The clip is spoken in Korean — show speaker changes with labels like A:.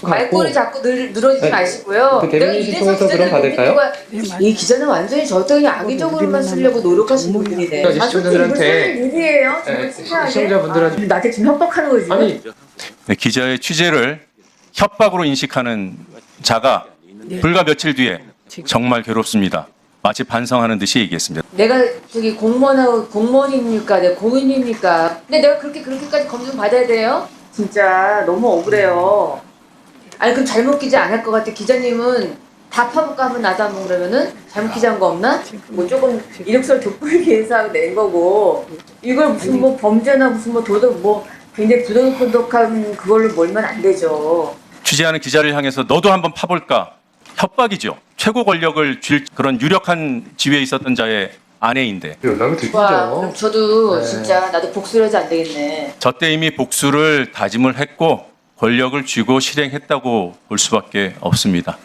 A: 말꼬리 자꾸 늘어지지 마시고요.
B: 그 대변인실 통해서 그럼 받을까요?
A: 이 기자는 완전히 저한테 그냥 악의적으로만 쓰려고 노력하시는 분들이네.
B: 그러니까 시청자들한테
A: 무슨 일이에요? 정말
B: 네,
A: 치사하게.
B: 시청자분들한테
A: 나한테 지금 협박하는 거지.
B: 아니
C: 네, 기자의 취재를 협박으로 인식하는 자가 불과 며칠 뒤에 정말 괴롭습니다. 마치 반성하는 듯이 얘기했습니다.
A: 내가 저기 공무원입니까? 내가 공인입니까? 근데 내가 그렇게까지 검증 받아야 돼요? 진짜 너무 억울해요. 아니 그럼 잘못 기자 안 할 것 같아. 기자님은 다 파볼까 하면 나도 한번 그러면은 잘못 기자한 거 없나? 뭐 조금 이력서를 돋보이기 위해서 낸 거고 이걸 무슨 뭐 범죄나 무슨 뭐 도덕 뭐 굉장히 부도덕한 그걸로 몰면 안 되죠.
C: 취재하는 기자를 향해서 너도 한번 파볼까? 협박이죠. 최고 권력을 쥘 그런 유력한 지위에 있었던 자의 아내인데
B: 연락을 드리죠.
A: 와, 그럼 저도
B: 네.
A: 진짜 나도 복수를 하지 안 되겠네.
C: 저 때 이미 복수를 다짐을 했고 권력을 쥐고 실행했다고 볼 수밖에 없습니다.